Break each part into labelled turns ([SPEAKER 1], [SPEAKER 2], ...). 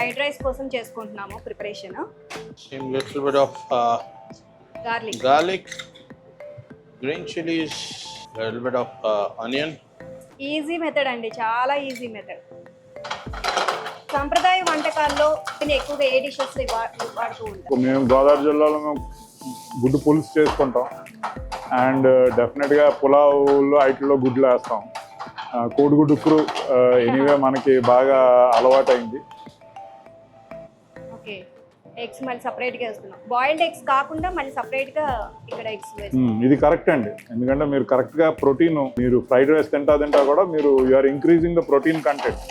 [SPEAKER 1] Fried rice కోసం చేసుకుంటున్నాము preparation.
[SPEAKER 2] Same little bit of
[SPEAKER 1] garlic,
[SPEAKER 2] green chilies, little bit of onion.
[SPEAKER 1] Easy method అండి, చాలా easy method. సంప్రదాయ వంటకాల్లో నేను ఎక్కువగా ఏ డిషెస్ వాడుతూ ఉంటాను?
[SPEAKER 3] మేము గోదావరి జిల్లాలో గుడ్డు పులుసు చేసుకుంటాం అండ్ డెఫినెట్గా పులావులో వాటిలో గుడ్లు వేస్తాం. కోడిగుడ్డు ఉక్కురు ఎనీవే మనకి బాగా అలవాటైంది.
[SPEAKER 1] ఓకే, ఎగ్స్ మళ్ళీ సపరేట్గా వేస్తున్నాం. బాయిల్డ్ ఎగ్స్ కాకుండా మళ్ళీ సపరేట్గా ఇక్కడ ఎగ్స్ వేస్తున్నాం.
[SPEAKER 3] ఇది కరెక్ట్ అండి, ఎందుకంటే మీరు కరెక్ట్గా ప్రోటీన్, మీరు ఫ్రైడ్ రైస్ తింటా కూడా మీరు you're increasing the protein content.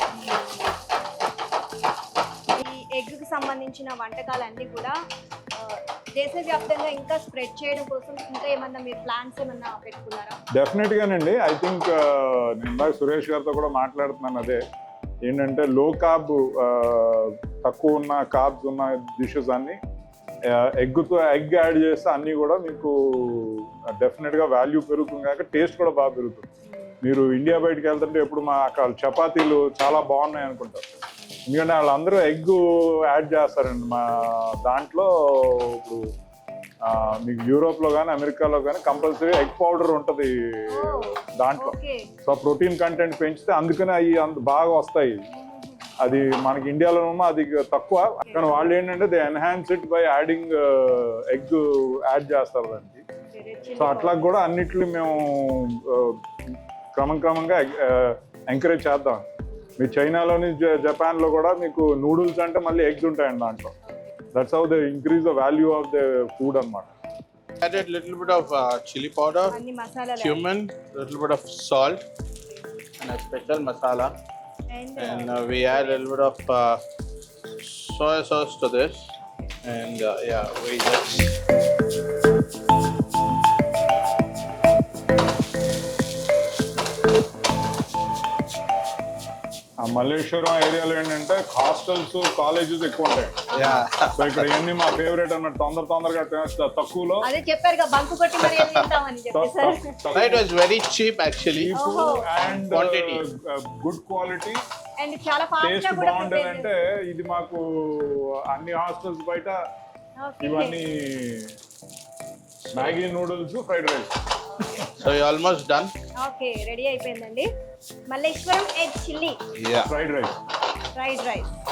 [SPEAKER 1] ఈ ఎగ్కి సంబంధించిన వంటకాలన్నీ కూడా దేశవ్యాప్తంగా ఇంకా స్ప్రెడ్ చేయడం కోసం ఇంకా ఏమన్నా మీరు ప్లాన్స్ ఏమన్నా పెట్టుకున్నారా?
[SPEAKER 3] డెఫినెట్గానండి. ఐ థింక్ నేను ఇందాక సురేష్ గారితో కూడా మాట్లాడుతున్నాను. అదే ఏంటంటే లో కార్బ్, తక్కువ ఉన్న కార్బ్స్ ఉన్న డిషెస్ అన్ని ఎగ్ యాడ్ చేస్తే అన్నీ కూడా మీకు డెఫినెట్గా వాల్యూ పెరుగుతుంది, కాక టేస్ట్ కూడా బాగా పెరుగుతుంది. మీరు ఇండియా బయటకు వెళ్తుంటే ఎప్పుడు మా అక్కడ చపాతీలు చాలా బాగున్నాయి అనుకుంటారు, ఎందుకంటే వాళ్ళందరూ ఎగ్ యాడ్ చేస్తారండి మా దాంట్లో. ఇప్పుడు మీకు యూరోప్లో కానీ అమెరికాలో కానీ కంపల్సరీ ఎగ్ పౌడర్ ఉంటుంది దాంట్లో. సో ప్రోటీన్ కంటెంట్ పెంచితే అందుకనే అవి బాగా వస్తాయి. అది మనకి ఇండియాలో అది తక్కువ, కానీ వాళ్ళు ఏంటంటే they enhance it by adding egg add చేస్తారు దానికి. సో అట్లా కూడా అన్నిట్లు మేము క్రమంగా ఎంకరేజ్ చేద్దాం. మీ చైనాలోని జపాన్లో కూడా మీకు నూడిల్స్ అంటే మళ్ళీ ఎగ్స్ ఉంటాయండి దాంట్లో. That's how they increase the value of the food అన్నమాట.
[SPEAKER 2] Added little bit of chili powder, cumin, little bit of salt, and a special masala. And we add a little bit of soy sauce to this. And yeah, we just.
[SPEAKER 3] Malleshwaram ఏరియాలో ఏంటంటే hostels, colleges ఎక్కువ ఉంటాయి. So ఇక్కడ ఇవన్నీ మా favourite అన్నట్టు, తొందరగా తక్కువలో.
[SPEAKER 1] అదే చెప్పారు బంకు కొట్టి మరి తింటామని చెప్పేసారు.
[SPEAKER 2] It was very cheap actually.
[SPEAKER 3] And good quality
[SPEAKER 1] and చాలా ఫాస్ట్
[SPEAKER 3] టేస్ట్
[SPEAKER 1] గా కూడా
[SPEAKER 3] బాగుంటది. అంటే ఇది మాకు అన్ని హాస్టల్స్ బయట ఇవన్నీ Maggi noodles, fried rice.
[SPEAKER 2] So you're almost done.
[SPEAKER 1] Okay, ready అయిపోయిందండి. Malleswaram egg chilli
[SPEAKER 2] Yeah.
[SPEAKER 3] Fried rice.
[SPEAKER 1] Fried rice.